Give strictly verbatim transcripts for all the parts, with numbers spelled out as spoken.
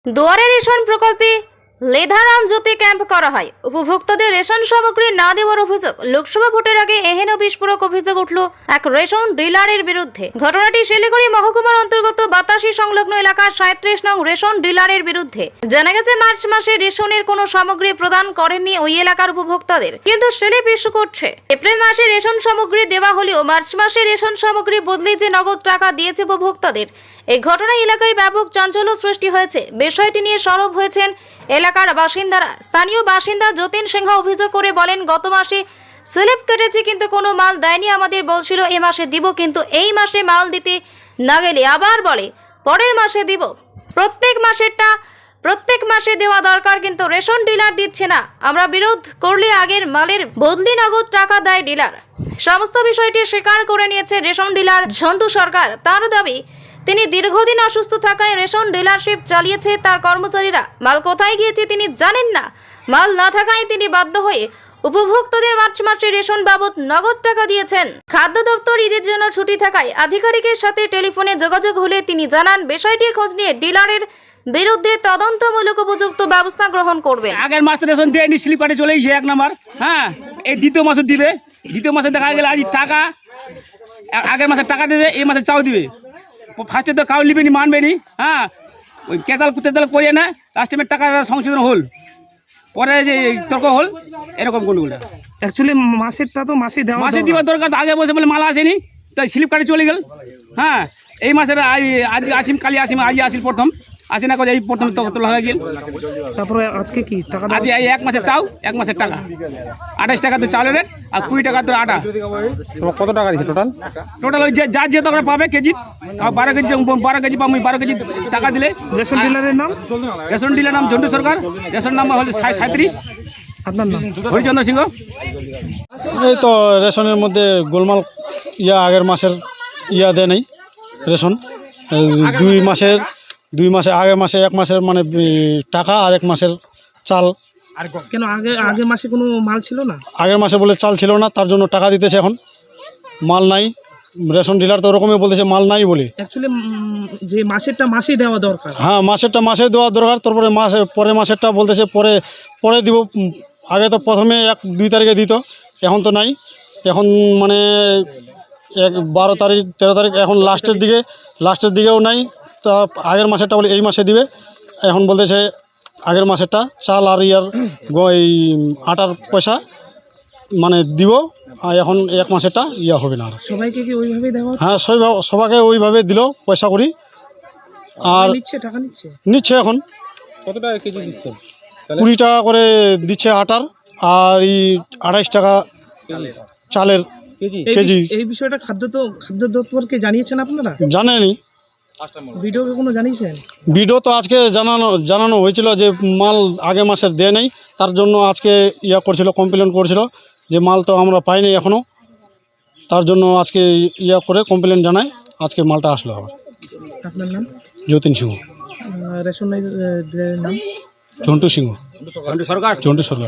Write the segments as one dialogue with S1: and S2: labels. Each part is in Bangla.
S1: দুয়ারে রেশন প্রকল্পে লেধারাম জ্যোতি ক্যাম্প করা হয়। উপভোক্তাদের রেশন সামগ্রী না দেওয়ার অভিযোগ। লোকসভা ভোটের আগে এহেন বিস্ফোরক অভিযোগ উঠল এক রেশন ডিলারের বিরুদ্ধে। ঘটনাটি শিলিগুড়ি মহকুমার অন্তর্গত বাতাসি সংলগ্ন এলাকার সাঁত্রিশ নং রেশন ডিলারের বিরুদ্ধে। জানা গেছে মার্চ মাসে রেশনের কোনো সামগ্রী প্রদান করেননি ওই এলাকার উপভোক্তাদের, কিন্তু স্লিপ ইস্যু করছে। এপ্রিল মাসে রেশন সামগ্রী দেওয়া হলেও মার্চ মাসে রেশন সামগ্রী বদলে যে নগদ টাকা দিয়েছে উপভোক্তাদের। এই ঘটনায় এলাকায় ব্যাপক চাঞ্চল্য সৃষ্টি হয়েছে। বিষয়টি নিয়ে সরব হয়েছেন এলাকার বাসিন্দারা। স্থানীয় বাসিন্দা যতীন সিংহ অভিযোগ করে বলেন, গত মাসে স্লিপ কেটেছে কিন্তু কোনো মাল দেয়নি। আমাদের বলছিল এ মাসে দিব, কিন্তু এই মাসে মাল দিতে না গেলে আবার বলে পরের মাসে দিব। প্রত্যেক মাসেরটা প্রত্যেক মাসে দেওয়া দরকার, কিন্তু রেশন ডিলার দিচ্ছে না। আমরা বিরোধ করলে আগের মালের বদলি নগদ টাকা দেয় ডিলার। সমস্ত বিষয়টি স্বীকার করে নিয়েছে রেশন ডিলার ঝন্টু সরকার। তার দাবি, তিনি দীর্ঘদিন অসুস্থ থাকায় রেশন ডিলারশিপ চালিয়েছে তার কর্মচারীরা। মাল কোথায় গিয়েছে তিনি জানেন না। মাল না থাকায় তিনি বাধ্য হয়ে উপভোক্তাদের মার্চ মাসে রেশন বাবদ নগদ টাকা দিয়েছেন। খাদ্য দপ্তর ঈদের জন্য ছুটি থাকায় আধিকারিকের সাথে টেলিফোনে যোগাযোগ হলে তিনি জানান, বিষয়টি খোঁজ নিয়ে ডিলারের বিরুদ্ধে তদন্তমূলক উপযুক্ত ব্যবস্থা গ্রহণ করবেন।
S2: আগের মাসে রেশন দেয়নি, স্লিপারে চলে গেছে এক নাম্বার। হ্যাঁ, এই দ্বিতীয় মাসে দিবে। দ্বিতীয় মাসে দেখা গেলে আজ টাকা আগের মাসে টাকা দেবে, এই মাসে চাও দিবে। ফার্স্টে তো কাউ নিবে নি, মানবে নি। হ্যাঁ, ওই কেতাল কুতেতাল করিয়ে না, লাস্টে টাকা সংশোধন হল, পরে যে তর্ক হল, এরকম কোনগুলো।
S3: অ্যাকচুয়ালি মাসেরটা তো মাসে দেওয়া
S2: মাসে দিবার দরকার, আগে বসে বলে মালা আসেনি, তাই স্লিপ কাটে চলে গেল। হ্যাঁ, এই মাসের আজ আসিম, কালি আসিম, আজ আসিল প্রথম আসি না, এই প্রথম তোলা হয়ে গেল।
S3: তারপরে আজকে কি টাকা
S2: আজ এই এক মাসের চাও, এক মাসের টাকা আঠাশ টাকা তো চালের রেট, আর কুড়ি টাকা তো আটা।
S3: কত টাকা দিচ্ছে টোটাল?
S2: টোটাল ওই যার যে টাকা পাবে কেজি, আর বারো কেজি বারো কেজি পাবো, বারো কেজি টাকা দিলে।
S3: রেশন ডিলারের নাম?
S2: রেশন ডিলার নাম ঝন্টু সরকার। রেশন নাম্বার হল সাঁত্রিশ।
S3: আপনার নাম?
S2: হরিচন্দ্র সিংহ।
S4: এই তো রেশনের মধ্যে গোলমাল, ইয়া আগের মাসের ইয়া দেয় নেই রেশন। দুই মাসের দুই মাসে আগের মাসে এক মাসের মানে টাকা আর এক মাসের চাল।
S3: কেন আগে আগের মাসে কোনো মাল ছিল না?
S4: আগের মাসে বলে চাল ছিল না, তার জন্য টাকা দিতেছে। এখন মাল নাই, রেশন ডিলার তো ওরকমই বলতেছে মাল নাই বলে।
S3: অ্যাকচুয়ালি যে মাসেরটা মাসেই দেওয়া দরকার।
S4: হ্যাঁ, মাসেরটা মাসে দেওয়া দরকার, তারপরে মাসে পরে মাসেরটা বলতেছে পরে পরে দিব। আগে তো প্রথমে এক দুই তারিখে দিত, এখন তো নাই। এখন মানে এক বারো তারিখ তেরো তারিখ, এখন লাস্টের দিকে লাস্টের দিকেও নাই। তা আগের মাসেরটা বলে এই মাসে দিবে, এখন বলতেছে আগের মাসেরটা চাল আর ইয়ার এই আটার পয়সা মানে দিব, আর এখন এক মাসেরটা ইয়া হবে না।
S3: সবাইকে কি ওইভাবেই দেওয়া?
S4: হ্যাঁ, সবাইকে ওইভাবে দিল পয়সা করি। আর
S3: নিচ্ছে টাকা নিচ্ছে
S4: নিচ্ছে এখন
S3: কত টাকা কেজি দিচ্ছে?
S4: কুড়ি টাকা করে দিচ্ছে আটার, আর এই আড়াইশ টাকা চালের কেজি।
S3: এই বিষয়টা খাদ্য তো খাদ্য দপ্তরকে জানিয়েছেন আপনারা?
S4: জানেনি,
S3: ভিডিওকে কোনো জানিয়েছেন?
S4: ভিডিও তো আজকে জানানো জানানো হয়েছিল যে মাল আগের মাসের দেয় নেই, তার জন্য আজকে ইয়া করছিল, কমপ্লেন করছিল যে মাল তো আমরা পাইনি এখনও। তার জন্য আজকে ইয়া করে কমপ্লেন জানায়, আজকে মালটা আসলো আবার।
S3: আপনার নাম?
S4: যতীন সিংহ।
S3: রেশনের নাম?
S4: ঝন্টু সিংহ।
S2: ঝন্টু সরকার।
S4: ঝন্টু সরকার।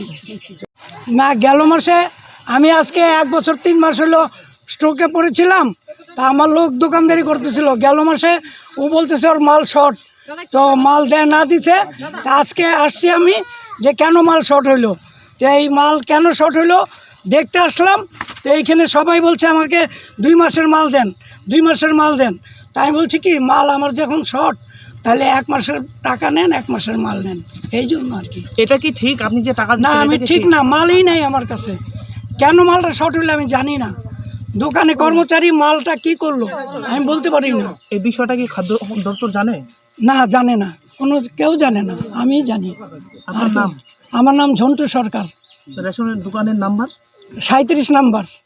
S5: না, গেল মাসে আমি আজকে এক বছর তিন মাস হলো স্ট্রোকে পড়েছিলাম। তা আমার লোক দোকানদারি করতেছিল, গেল মাসে ও বলতেছে ওর মাল শর্ট, তো মাল দেয় না দিছে। তা আজকে আসছি আমি যে কেন মাল শর্ট হইলো, তো এই মাল কেন শর্ট হইলো দেখতে আসলাম। তো এইখানে সবাই বলছে আমাকে দুই মাসের মাল দেন, দুই মাসের মাল দেন। তাই আমি বলছি কি, মাল আমার যখন শর্ট তাহলে এক মাসের টাকা নেন, এক মাসের মাল নেন, এই জন্য আর কি।
S3: এটা কি ঠিক আপনি যে টাকা?
S5: না, আমি ঠিক না, মালই নাই আমার কাছে। কেন মালটা শর্ট হইলে আমি জানি না। দোকানে কর্মচারী মালটা কি করলো আমি বলতে পারি না।
S3: এই বিষয়টা কি খাদ্য দপ্তর জানে?
S5: না, জানে না, কোনো কেউ জানে না, আমি জানি।
S3: আপনার নাম?
S5: আমার নাম ঝন্টু সরকার।
S3: রেশনের দোকানের নাম্বার?
S5: সাঁত্রিশ নাম্বার।